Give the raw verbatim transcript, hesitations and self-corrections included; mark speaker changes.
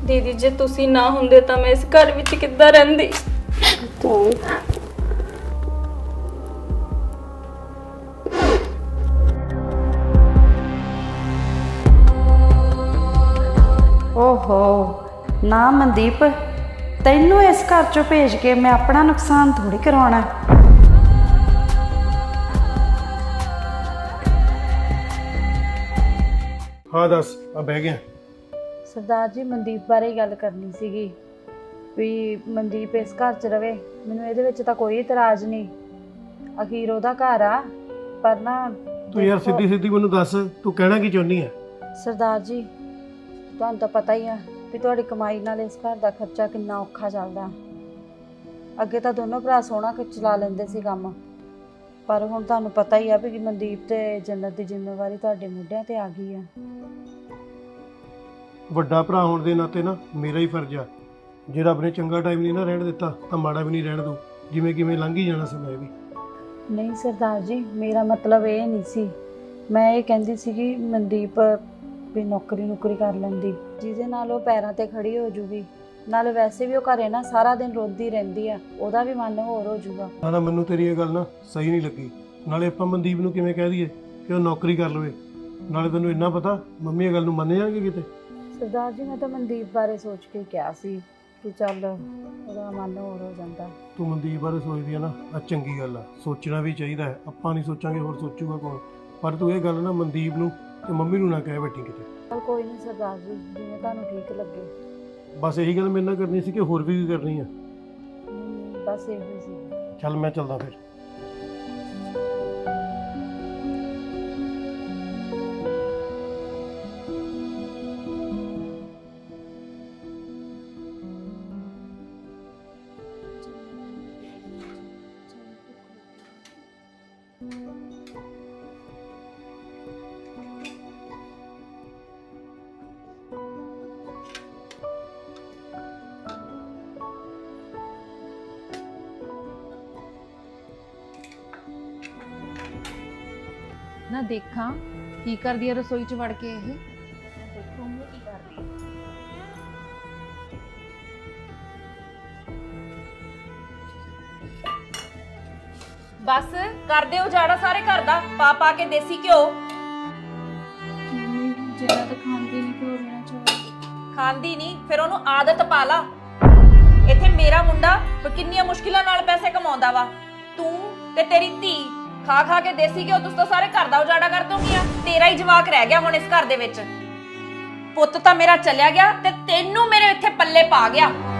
Speaker 1: दीदी जे तुसी ना हुंदे तां मैं इस घर विच किद्दां रहिंदी।
Speaker 2: ओहो ना मनदीप, तैनू इस घर चों भेज के मैं अपना नुकसान थोड़ी करवाना।
Speaker 3: हाँ दस आ बह गया।
Speaker 2: सरदार जी मनदीप बारे गल करनी सीगी भी मनदीप इस घर च रवे, मैनू इहदे विच तां कोई इतराज नहीं, अखीर ओहदा घर आ। पर ना
Speaker 3: तू यार सीधी सीधी मैनू दस तू कहना की चाहनी है?
Speaker 2: सरदार जी तुहानू तां पता ही है भी तुहाडी कमाई नाल इस घर दा खर्चा किन्ना औखा चलदा। अगे तां दोनों भरा सोहना कि चला लेंदे सी काम, पर हुण तुहानू पता ही है भी मनदीप ते जन्नत दी जिम्मेवारी तुहाडे मोढिਆਂ ते आ गई है।
Speaker 3: ਵੱਡਾ ਭਰਾ ਹੋਣ ਦੇ ਨਾਤੇ ਨਾ ਮੇਰਾ ਹੀ ਫਰਜ਼ ਆ, ਜੇ ਰੱਬ ਨੇ ਚੰਗਾ ਟਾਈਮ ਨਹੀਂ ਨਾ ਰਹਿਣ ਦਿੱਤਾ ਤਾਂ ਮਾੜਾ ਵੀ ਨਹੀਂ ਰਹਿਣ ਦੂ, ਜਿਵੇਂ ਕਿਵੇਂ ਲੰਘ ਹੀ ਜਾਣਾ ਸਮਾਂ ਵੀ।
Speaker 2: नहीं सरदार जी मेरा मतलब ये नहीं सी, मैं ये कहती सी कि मनदीप भी नौकरी नौकरी कर लैंदी जिहदे नाल ओह पैरां ते खड़ी हो जूगी, नाल वैसे भी ओह घरे ना सारा दिन रोंदी रहिंदी आ, ओहदा भी मन होर हो जूगा।
Speaker 3: ਨਾ ਨਾ ਮੈਨੂੰ ਤੇਰੀ ਇਹ ਗੱਲ ਨਾ ਸਹੀ ਨਹੀਂ ਲੱਗੀ। ਨਾਲੇ ਆਪਾਂ ਮਨਦੀਪ ਨੂੰ ਕਿਵੇਂ ਕਹਿ ਦਈਏ ਕਿ ਉਹ ਨੌਕਰੀ ਕਰ ਲਵੇ, ਨਾਲੇ ਤੈਨੂੰ ਇੰਨਾ ਪਤਾ ਮੰਮੀ ਇਹ ਗੱਲ ਨੂੰ ਮੰਨ ਜਾਣਗੇ ਕਿਤੇ।
Speaker 2: सरदार जी मैं तो मनदीप बारे सोच के क्या सी कि चल ओहदा मन होर हो जांदा।
Speaker 3: ਤੂੰ ਮਨਦੀਪ ਬਾਰੇ ਸੋਚਦੀ ਆ ਨਾ, ਆ ਚੰਗੀ ਗੱਲ ਆ, ਸੋਚਣਾ ਵੀ ਚਾਹੀਦਾ ਹੈ। ਆਪਾਂ ਨਹੀਂ ਸੋਚਾਂਗੇ ਹੋਰ ਸੋਚੂਗਾ ਕੌਣ? ਪਰ ਤੂੰ ਇਹ ਗੱਲ ਨਾ ਮਨਦੀਪ ਨੂੰ ਤੇ ਮੰਮੀ ਨੂੰ ਨਾ ਕਹਿ ਬੈਠੀ ਕਿਤੇ।
Speaker 2: चल कोई नहीं सरदार जी जिवें तुहानू ठीक लगे।
Speaker 3: ਬਸ ਇਹੀ ਗੱਲ ਮੇਰੇ ਨਾਲ ਕਰਨੀ ਸੀ ਕਿ ਹੋਰ ਵੀ ਕੀ ਕਰਨੀ ਆ?
Speaker 2: नहीं बस इहो ही सी।
Speaker 3: ਚੱਲ ਮੈਂ ਚੱਲਦਾ ਫਿਰ।
Speaker 4: ना देखा की कर दिया रसोई च वड़ के ये।
Speaker 1: देखूंगी की कर रही है।
Speaker 5: बस कर दे उजाड़ा सारे घर दा, पा पा के देसी घ्यो।
Speaker 1: मम्मी जरा तो खांदी नहीं क्यों रहना चाहिए?
Speaker 5: खांदी नहीं फिर ओनू आदत पा ला। इत्थे मेरा मुंडा किन्नियां मुश्किलां नाल पैसे कमाउंदा वा, तू ते तेरी धी खा खा के देसी घ्यो तुस तो सारे घर दा उजाड़ा कर दोगीਆਂ। तेरा ही जवाक रह गया हुण इस घर दे विच। पुੱਤ ਤਾਂ मेरा चलिया गया ते तेनू मेरे इत्थे पल्ले पा गया।